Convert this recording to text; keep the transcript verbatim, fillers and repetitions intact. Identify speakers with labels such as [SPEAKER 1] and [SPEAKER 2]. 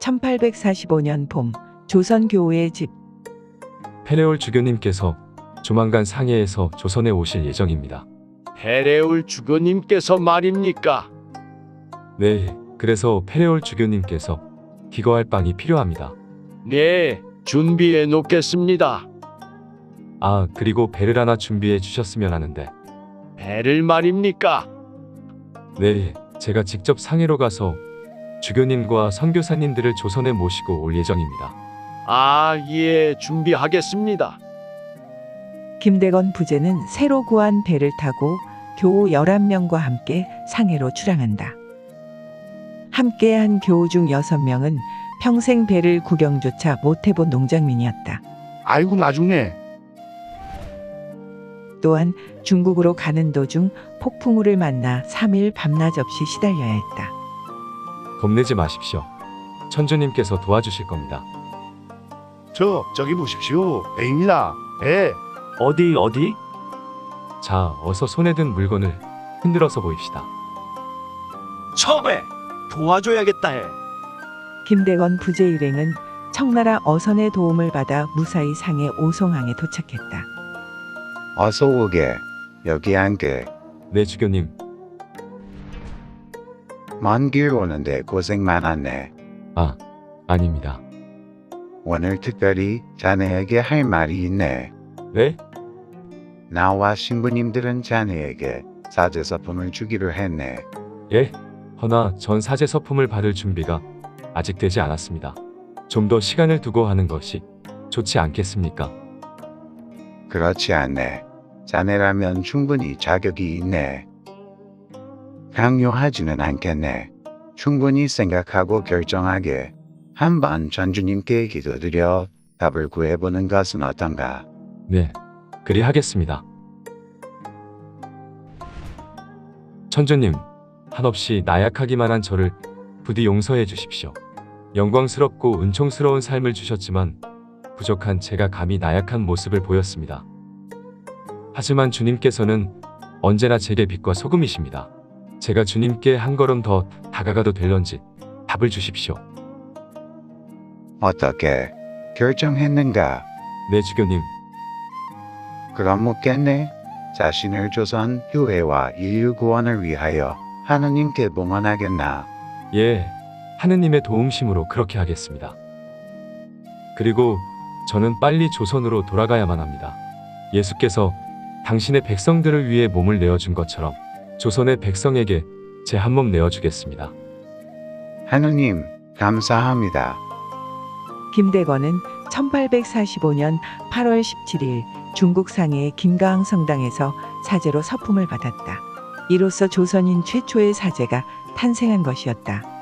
[SPEAKER 1] 천팔백사십오 년 봄 조선 교우의 집.
[SPEAKER 2] 페레올 주교님께서 조만간 상해에서 조선에 오실 예정입니다.
[SPEAKER 3] 페레올 주교님께서 말입니까?
[SPEAKER 2] 네, 그래서 페레올 주교님께서 기거할 빵이 필요합니다.
[SPEAKER 3] 네, 준비해 놓겠습니다.
[SPEAKER 2] 아, 그리고 배를 하나 준비해 주셨으면 하는데.
[SPEAKER 3] 배를 말입니까?
[SPEAKER 2] 네, 제가 직접 상해로 가서 주교님과 선교사님들을 조선에 모시고 올 예정입니다.
[SPEAKER 3] 아, 예, 준비하겠습니다.
[SPEAKER 1] 김대건 부제는 새로 구한 배를 타고 교우 열한 명과 함께 상해로 출항한다. 함께한 교우 중 여섯 명은 평생 배를 구경조차 못해본 농장민이었다.
[SPEAKER 4] 아이고 나중에
[SPEAKER 1] 또한 중국으로 가는 도중 폭풍우를 만나 삼 일 밤낮 없이 시달려야 했다.
[SPEAKER 2] 겁내지 마십시오. 천주님께서 도와주실 겁니다.
[SPEAKER 4] 저 저기 보십시오. 배입니다. 배.
[SPEAKER 5] 어디 어디?
[SPEAKER 2] 자, 어서 손에 든 물건을 흔들어서 보입시다.
[SPEAKER 5] 처배 도와줘야겠다 해.
[SPEAKER 1] 김대건 부제 일행은 청나라 어선의 도움을 받아 무사히 상해 오송항에 도착했다.
[SPEAKER 6] 어서 오게. 여기 앉게.
[SPEAKER 2] 네, 주교님.
[SPEAKER 6] 먼 길 오는데 고생 많았네.
[SPEAKER 2] 아, 아닙니다.
[SPEAKER 6] 오늘 특별히 자네에게 할 말이 있네.
[SPEAKER 2] 네?
[SPEAKER 6] 나와 신부님들은 자네에게 사제서품을 주기로 했네.
[SPEAKER 2] 예? 허나 전 사제 서품을 받을 준비가 아직 되지 않았습니다. 좀 더 시간을 두고 하는 것이 좋지 않겠습니까?
[SPEAKER 6] 그렇지 않네. 자네라면 충분히 자격이 있네. 강요하지는 않겠네. 충분히 생각하고 결정하게 한번 전주님께 기도드려 답을 구해보는 것은 어떤가?
[SPEAKER 2] 네, 그리 하겠습니다. 천주님, 한없이 나약하기만 한 저를 부디 용서해 주십시오. 영광스럽고 은총스러운 삶을 주셨지만 부족한 제가 감히 나약한 모습을 보였습니다. 하지만 주님께서는 언제나 제게 빛과 소금이십니다. 제가 주님께 한 걸음 더 다가가도 될런지 답을 주십시오.
[SPEAKER 6] 어떻게 결정했는가?
[SPEAKER 2] 네, 주교님.
[SPEAKER 6] 그럼 묻겠네. 자신을 조선 교회와 인류 구원을 위하여 하느님께 봉헌하겠나?
[SPEAKER 2] 예, 하느님의 도움심으로 그렇게 하겠습니다. 그리고 저는 빨리 조선으로 돌아가야만 합니다. 예수께서 당신의 백성들을 위해 몸을 내어준 것처럼 조선의 백성에게 제 한 몸 내어주겠습니다.
[SPEAKER 6] 하느님, 감사합니다.
[SPEAKER 1] 김대건은 천팔백사십오 년 팔월 십칠일 중국 상해의 김가항 성당에서 사제로 서품을 받았다. 이로써 조선인 최초의 사제가 탄생한 것이었다.